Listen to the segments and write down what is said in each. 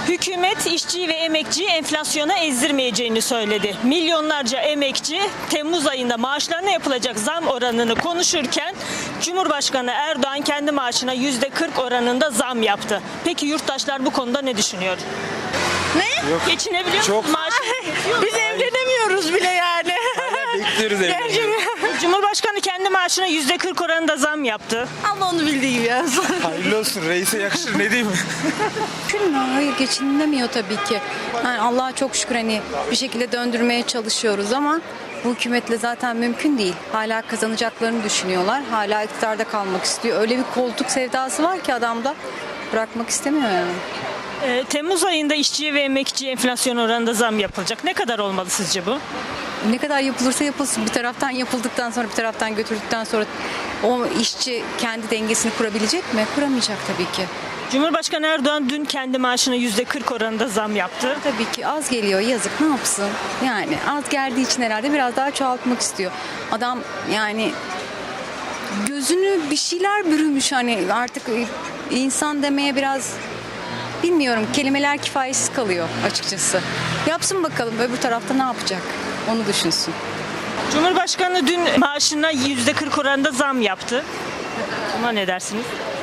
Hükümet işçiyi ve emekçiyi enflasyona ezdirmeyeceğini söyledi. Milyonlarca emekçi Temmuz ayında maaşlarına yapılacak zam oranını konuşurken Cumhurbaşkanı Erdoğan kendi maaşına %40 oranında zam yaptı. Peki yurttaşlar bu konuda ne düşünüyor? Ne? Yok. Geçinebiliyor musun? Çok. Maaş Biz evlenemiyoruz bile yani. Bekliyoruz evlenmeyi. Cumhurbaşkanı kendi maaşına %40 oranında zam yaptı. Allah onu bildiği gibi yazsın. Hayırlı olsun, reise yakışır, ne diyeyim. Mümkün mü? Hayır, geçinilemiyor tabii ki. Yani Allah'a çok şükür hani bir şekilde döndürmeye çalışıyoruz ama bu hükümetle zaten mümkün değil. Hala kazanacaklarını düşünüyorlar. Hala iktidarda kalmak istiyor. Öyle bir koltuk sevdası var ki adamda, bırakmak istemiyor yani. Temmuz ayında işçiye ve emekçiye enflasyon oranında zam yapılacak. Ne kadar olmalı sizce bu? Ne kadar yapılırsa yapılsın, bir taraftan yapıldıktan sonra bir taraftan götürdükten sonra o işçi kendi dengesini kurabilecek mi? Kuramayacak tabii ki. Cumhurbaşkanı Erdoğan dün kendi maaşına %40 oranında zam yaptı. Tabii ki az geliyor, yazık, ne yapsın? Yani az geldiği için herhalde biraz daha çoğaltmak istiyor. Adam yani gözünü bir şeyler bürümüş, hani artık insan demeye biraz bilmiyorum, kelimeler kifayetsiz kalıyor açıkçası. Yapsın bakalım, öbür tarafta ne yapacak onu düşünsün. Cumhurbaşkanı dün maaşına %40 oranında zam yaptı. Buna ne dersiniz?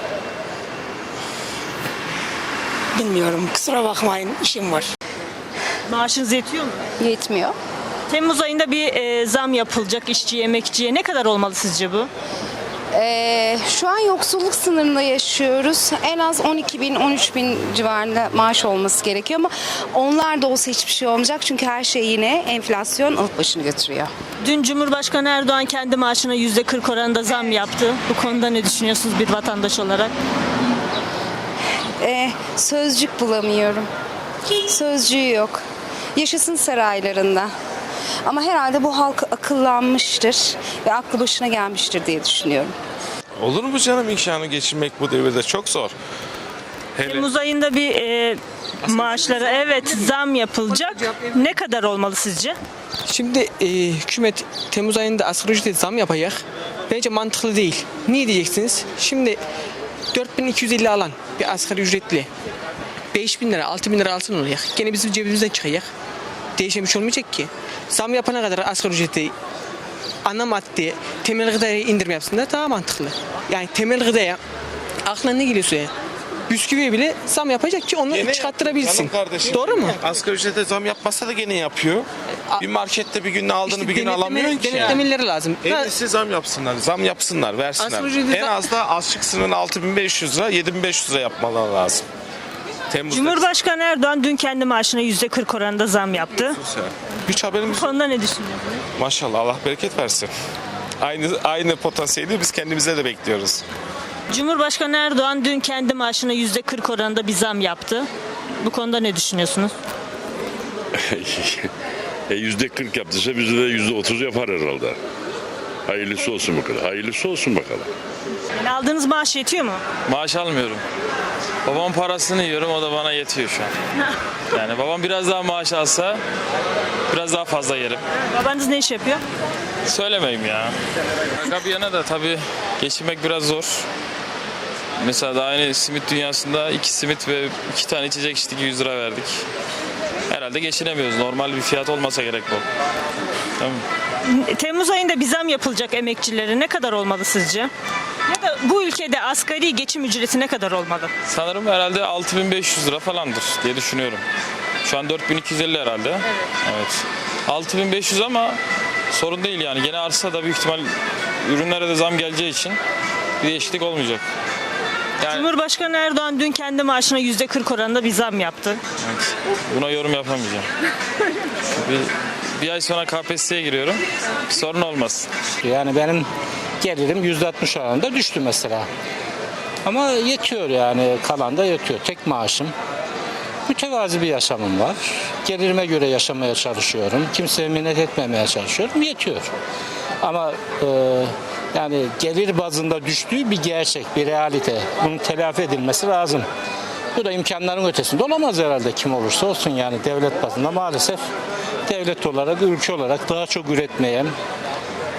Bilmiyorum. Kusura bakmayın. İşim var. Maaşınız yetiyor mu? Yetmiyor. Temmuz ayında bir zam yapılacak işçiye, emekçiye. Ne kadar olmalı sizce bu? Şu an yoksulluk sınırında yaşıyoruz. En az 12 bin, 13 bin civarında maaş olması gerekiyor ama onlar da olsa hiçbir şey olmayacak. Çünkü her şey yine enflasyon alıp başını götürüyor. Dün Cumhurbaşkanı Erdoğan kendi maaşına %40 oranında zam yaptı. Bu konuda ne düşünüyorsunuz bir vatandaş olarak? Sözcük bulamıyorum. Sözcüğü yok. Yaşasın saraylarında. Ama herhalde bu halk akıllanmıştır ve aklı başına gelmiştir diye düşünüyorum. Olur mu canım, imkanı geçinmek bu devirde çok zor. Hele Temmuz ayında bir maaşlara evet zam yapılacak. Ne kadar olmalı sizce? Şimdi hükümet Temmuz ayında asgari ücrete zam yapacak. Bence mantıklı değil. Niye diyeceksiniz? Şimdi 4250 alan bir asgari ücretli 5000 lira 6000 lira alsın olacak. Gene bizim cebimizden çıkacak. Değişen bir şey olmayacak ki. Zam yapana kadar asgari ücreti ana madde temel gıdaya indirme yapsınlar daha mantıklı. Yani temel gıdaya aklına ne geliyorsa bisküviye bile zam yapacak ki onu gene çıkarttırabilsin. yapıyor canım kardeşim. Doğru mu? Asgari ücrete zam yapmazsa da gene yapıyor. Bir markette bir günde aldığını bir gün alamıyorsun ki. Denetlemeleri lazım. En iyisi zam yapsınlar. Zam yapsınlar, versinler. Asgari ücreti En az da açlık sınırını 6500 lira, 7500 lira yapmaları lazım. Temmuz'da. Cumhurbaşkanı Erdoğan dün kendi maaşına %40 oranında zam yaptı. Hiç haberimiz Bu yok. konuda ne düşünüyorsunuz? Maşallah, Allah bereket versin. Aynı potansiyeli biz kendimize de bekliyoruz. Cumhurbaşkanı Erdoğan dün kendi maaşına %40 oranında bir zam yaptı. Bu konuda ne düşünüyorsunuz? %40 yaptıysa bizde de %30 yapar herhalde. Hayırlısı olsun bakalım. Hayırlısı olsun bakalım. Yani aldığınız maaş yetiyor mu? Maaş almıyorum. Babamın parasını yiyorum, o da bana yetiyor şu an. Yani babam biraz daha maaş alsa biraz daha fazla yerim. Babanız ne iş yapıyor? Söylemeyeyim ya. Şaka bir yana da tabii geçinmek biraz zor. Mesela daha yeni simit dünyasında 2 simit ve 2 tane içecek içtik, 100 lira verdik. Herhalde geçinemiyoruz. Normal bir fiyat olmasa gerek bu. Tamam. Temmuz ayında bir zam yapılacak emekçilere ne kadar olmalı sizce? Ya da bu ülkede asgari geçim ücreti ne kadar olmalı? Sanırım herhalde 6500 lira falandır diye düşünüyorum. Şu an 4250 herhalde. Evet. 6500 ama sorun değil yani. Gene artsa da büyük ihtimal ürünlere de zam geleceği için bir değişiklik olmayacak. Yani, Cumhurbaşkanı Erdoğan dün kendi maaşına %40 oranında bir zam yaptı. evet, buna yorum yapamayacağım. Bir ay sonra KPSS'ye giriyorum. Bir sorun olmaz. Yani benim gelirim %60 oranında düştü mesela. Ama yetiyor yani, kalan da yetiyor. Tek maaşım. Mütevazi bir yaşamım var. Gelirime göre yaşamaya çalışıyorum. Kimseye minnet etmemeye çalışıyorum. Yetiyor. Ama yani gelir bazında düştüğü bir gerçek, bir realite. Bunun telafi edilmesi lazım. Bu da imkanların ötesinde olamaz herhalde, kim olursa olsun yani devlet bazında maalesef devlet olarak, ülke olarak daha çok üretmeye, daha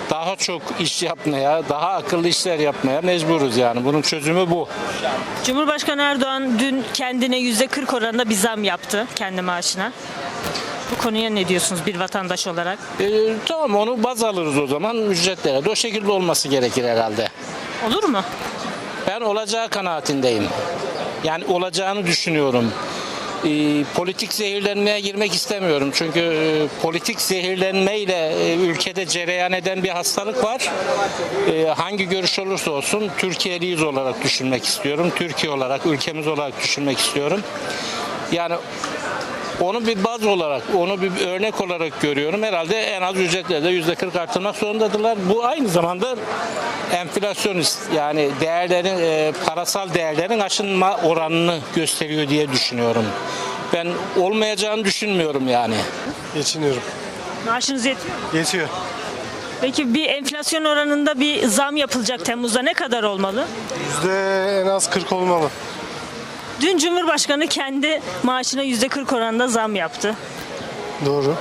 çok iş yapmaya, daha akıllı işler yapmaya mecburuz yani. Bunun çözümü bu. Cumhurbaşkanı Erdoğan dün kendine %40 oranında bir zam yaptı kendi maaşına. Bu konuya ne diyorsunuz bir vatandaş olarak? Tamam, onu baz alırız o zaman ücretlere de o şekilde olması gerekir herhalde. Olur mu? Ben olacağı kanaatindeyim. Yani olacağını düşünüyorum. Politik zehirlenmeye girmek istemiyorum. Çünkü politik zehirlenmeyle ülkede cereyan eden bir hastalık var. Hangi görüş olursa olsun Türkiye'liyiz olarak düşünmek istiyorum. Türkiye olarak, ülkemiz olarak düşünmek istiyorum. Yani onu bir baz olarak, onu bir örnek olarak görüyorum. Herhalde en az ücretlerde %40 artırmak zorundadırlar. Bu aynı zamanda enflasyonist, yani değerlerin, parasal değerlerin aşınma oranını gösteriyor diye düşünüyorum. Ben olmayacağını düşünmüyorum yani. Geçiniyorum. Maaşınız yetiyor mu? Yetiyor. Peki bir enflasyon oranında bir zam yapılacak Temmuz'da ne kadar olmalı? En az 40 olmalı. Dün Cumhurbaşkanı kendi maaşına %40 oranında zam yaptı. Doğru.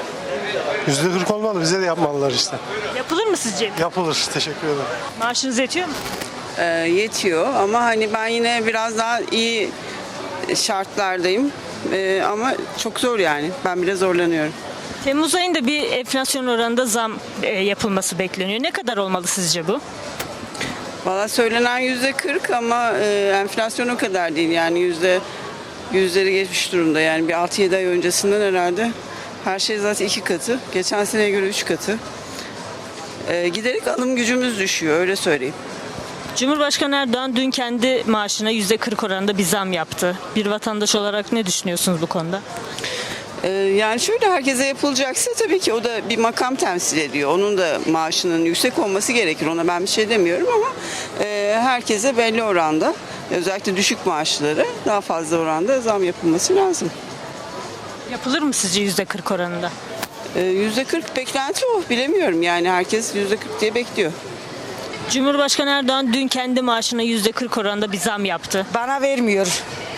%40 olmalı. Bize de yapmalılar işte. Yapılır mı sizce? Yapılır. Teşekkür ederim. Maaşınız yetiyor mu? Yetiyor ama hani ben yine biraz daha iyi şartlardayım. Ama çok zor yani. Ben bile zorlanıyorum. Temmuz ayında bir enflasyon oranında zam yapılması bekleniyor. Ne kadar olmalı sizce bu? Valla söylenen %40 ama enflasyon o kadar değil. Yani yüzleri geçmiş durumda. Yani bir 6-7 ay öncesinden herhalde her şey zaten 2 katı. Geçen seneye göre 3 katı. Giderek alım gücümüz düşüyor, öyle söyleyeyim. Cumhurbaşkanı Erdoğan dün kendi maaşına %40 oranında bir zam yaptı. Bir vatandaş olarak ne düşünüyorsunuz bu konuda? Yani şöyle, herkese yapılacaksa tabii ki o da bir makam temsil ediyor. Onun da maaşının yüksek olması gerekir. Ona ben bir şey demiyorum ama herkese belli oranda, özellikle düşük maaşları daha fazla oranda zam yapılması lazım. Yapılır mı sizce %40 oranında? %40 beklenti o. Bilemiyorum yani, herkes %40 diye bekliyor. Cumhurbaşkanı Erdoğan dün kendi maaşına %40 oranında bir zam yaptı. Bana vermiyor.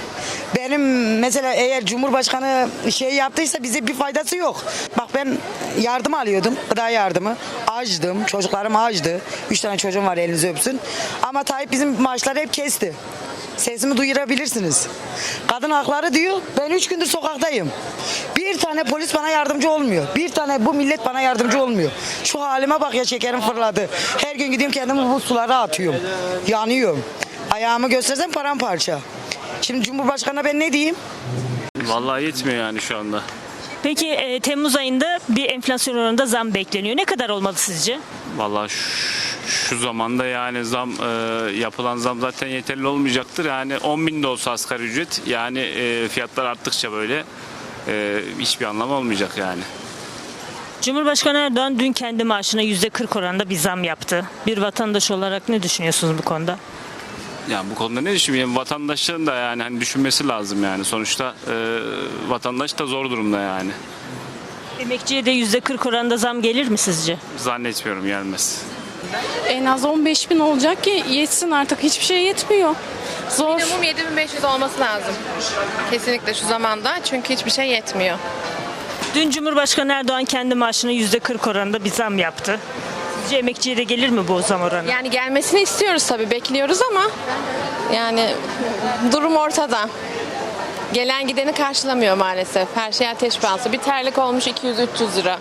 Benim mesela eğer Cumhurbaşkanı şey yaptıysa bize bir faydası yok. Bak ben yardım alıyordum, gıda yardımı. Açtım, çocuklarım açtı. 3 tane çocuğum var, elinizi öpsün. Ama Tayyip bizim maaşları hep kesti. Sesimi duyurabilirsiniz. Kadın hakları diyor, ben 3 gündür sokaktayım. Bir tane polis bana yardımcı olmuyor. Bir tane bu millet bana yardımcı olmuyor. Şu halime bak ya, şekerim fırladı. Her gün gidiyorum kendimi bu sulara atıyorum. Yanıyorum. Ayağımı göstersem paramparça. Şimdi Cumhurbaşkanı'na ben ne diyeyim? Vallahi yetmiyor yani şu anda. Peki Temmuz ayında bir enflasyon oranında zam bekleniyor. Ne kadar olmalı sizce? Vallahi şu zamanda yani yapılan zam zaten yeterli olmayacaktır. Yani 10.000 de olsa asgari ücret, yani fiyatlar arttıkça böyle hiçbir anlamı olmayacak yani. Cumhurbaşkanı Erdoğan dün kendi maaşına %40 oranında bir zam yaptı. Bir vatandaş olarak ne düşünüyorsunuz bu konuda? Yani bu konuda ne düşünüyorum? Vatandaşın da yani hani düşünmesi lazım yani. Sonuçta vatandaş da zor durumda yani. Emekçiye de %40 oranında zam gelir mi sizce? Zannetmiyorum, gelmez. En az 15.000 olacak ki yetsin, artık hiçbir şey yetmiyor. Zor. Minimum 7.500 olması lazım. Kesinlikle şu zamanda, çünkü hiçbir şey yetmiyor. Dün Cumhurbaşkanı Erdoğan kendi maaşına %40 oranında bir zam yaptı. Sizce emekçiye de gelir mi bu zam oranı? Yani gelmesini istiyoruz tabii, bekliyoruz ama yani durum ortada. Gelen gideni karşılamıyor maalesef. Her şey ateş pahası. Bir terlik olmuş 200-300 lira.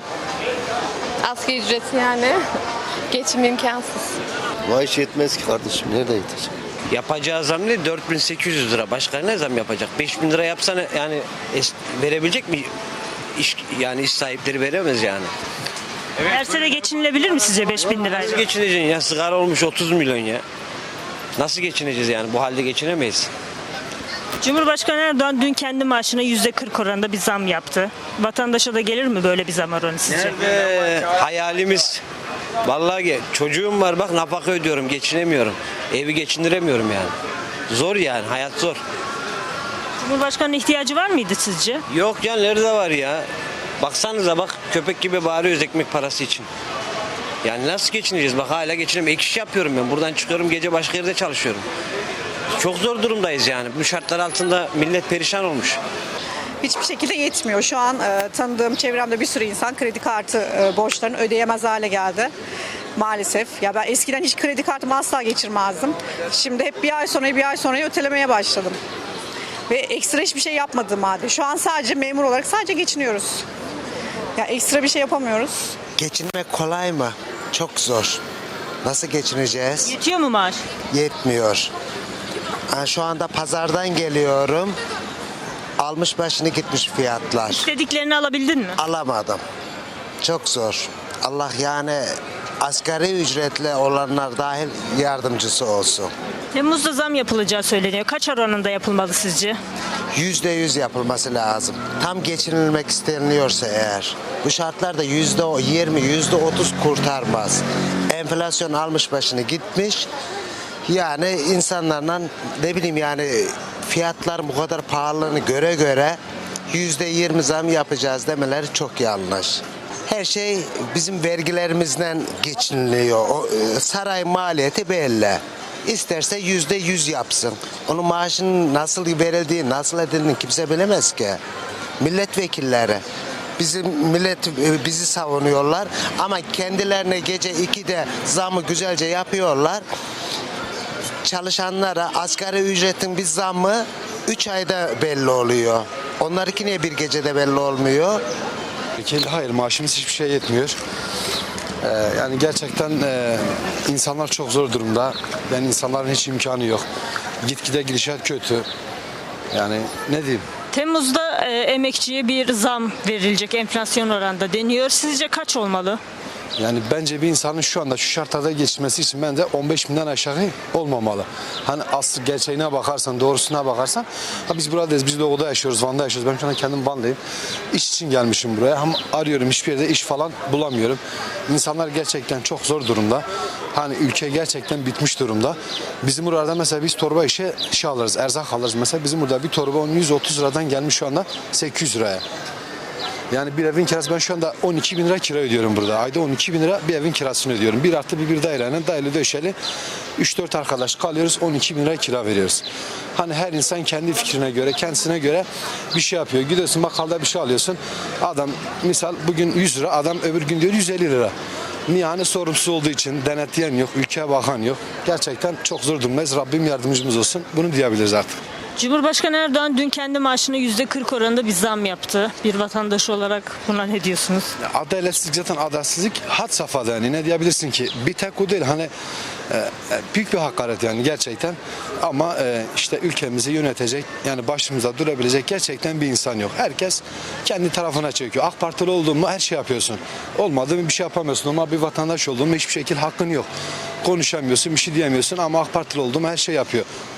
Asgari ücreti yani geçim imkansız. Maaş yetmez ki kardeşim. Nerede yetecek? Yapacağı zam ne? 4.800 lira. Başka ne zam yapacak? 5.000 lira yapsana yani verebilecek mi? Yani iş sahipleri veremez yani. Verse de geçinilebilir mi sizce 5.000 lirayla? Nasıl geçineceksin ya? Sigara olmuş 30 milyon ya. Nasıl geçineceğiz yani? Bu halde geçinemeyiz. Cumhurbaşkanı Erdoğan dün kendi maaşına %40 oranında bir zam yaptı. Vatandaşa da gelir mi böyle bir zam oranı sizce? Hayalimiz. Vallahi çocuğum var, bak nafaka ödüyorum, geçinemiyorum. Evi geçindiremiyorum yani. Zor yani, hayat zor. Cumhurbaşkanı'nın ihtiyacı var mıydı sizce? Yok ya, nerede var ya? Baksanıza bak, köpek gibi bağırıyoruz ekmek parası için. Yani nasıl geçineceğiz? Bak hala geçinemiyorum. Ek iş yapıyorum ben. Buradan çıkıyorum, gece başka yerde çalışıyorum. Çok zor durumdayız yani. Bu şartlar altında millet perişan olmuş. Hiçbir şekilde yetmiyor. Şu an tanıdığım çevremde bir sürü insan kredi kartı borçlarını ödeyemez hale geldi. maalesef. Ya ben eskiden hiç kredi kartımı asla geçirmezdim. Şimdi hep bir ay sonra ötelemeye başladım. Ve ekstra hiçbir şey yapmadım halde. Şu an sadece memur olarak sadece geçiniyoruz. Ya ekstra bir şey yapamıyoruz. Geçinmek kolay mı? Çok zor. Nasıl geçineceğiz? Yetiyor mu maaş? Yetmiyor. Şu anda pazardan geliyorum. Almış başını gitmiş fiyatlar. İstediklerini alabildin mi? Alamadım. Çok zor. Allah yani asgari ücretle olanlar dahil yardımcısı olsun. Temmuz'da zam yapılacağı söyleniyor. Kaç oranında yapılmalı sizce? %100 yapılması lazım. Tam geçinilmek isteniliyorsa eğer. Bu şartlarda %20, %30 kurtarmaz. Enflasyon almış başını gitmiş. Yani insanlarla ne bileyim yani fiyatlar bu kadar pahalılığını göre %20 zam yapacağız demeleri çok yanlış. Her şey bizim vergilerimizden geçiniliyor. Saray maliyeti belli. İsterse %100 yapsın. Onun maaşının nasıl verildiği, nasıl edildiğini kimse bilemez ki. Milletvekilleri. Bizim millet bizi savunuyorlar ama kendilerine gece 2'de zamı güzelce yapıyorlar. Çalışanlara asgari ücretin bir zammı 3 ayda belli oluyor. Onlarınki niye bir gecede belli olmuyor? Hayır, maaşımız hiçbir şey yetmiyor. Yani gerçekten insanlar çok zor durumda. Yani insanların hiç imkanı yok. Gitgide gidişat kötü. Yani ne diyeyim? Temmuz'da emekçiye bir zam verilecek enflasyon oranında deniyor. Sizce kaç olmalı? Yani bence bir insanın şu anda şu şartlarda geçirmesi için bence 15 binden aşağı olmamalı. Hani asıl gerçeğine bakarsan, doğrusuna bakarsan. Biz buradayız, biz Doğu'da yaşıyoruz, Van'da yaşıyoruz. Ben şu anda kendim Van'dayım. İş için gelmişim buraya. Ama arıyorum, hiçbir yerde iş falan bulamıyorum. İnsanlar gerçekten çok zor durumda. Hani ülke gerçekten bitmiş durumda. Bizim burada mesela biz torba işe alırız, erzak alırız. Mesela bizim burada bir torba 130 liradan gelmiş şu anda 800 liraya. Yani bir evin kirası, ben şu anda 12 bin lira kira ödüyorum burada. Ayda 12 bin lira bir evin kirasını ödüyorum. Bir artı bir dairenin daire döşeli 3-4 arkadaş kalıyoruz, 12 bin lira kira veriyoruz. Hani her insan kendi fikrine göre, kendisine göre bir şey yapıyor. Gidiyorsun bakkalda bir şey alıyorsun. Adam misal bugün 100 lira, adam öbür gün diyor 150 lira. Niye? Hani sorumsuz olduğu için denetleyen yok, ülkeye bakan yok. Gerçekten çok zor durumdayız. Rabbim yardımcımız olsun. Bunu diyebiliriz artık. Cumhurbaşkanı Erdoğan dün kendi maaşına %40 oranında bir zam yaptı. Bir vatandaş olarak buna ne diyorsunuz? Adaletsizlik, zaten adaletsizlik had safhada, yani ne diyebilirsin ki? Bir tek o değil, hani büyük bir hakaret yani gerçekten. Ama işte ülkemizi yönetecek, yani başımıza durabilecek gerçekten bir insan yok. Herkes kendi tarafına çekiyor. AK Partili olduğun mu her şey yapıyorsun. Olmadı mı bir şey yapamıyorsun. Ama bir vatandaş olduğun mu hiçbir şekilde hakkın yok. Konuşamıyorsun, bir şey diyemiyorsun ama AK Partili olduğum her şey yapıyor.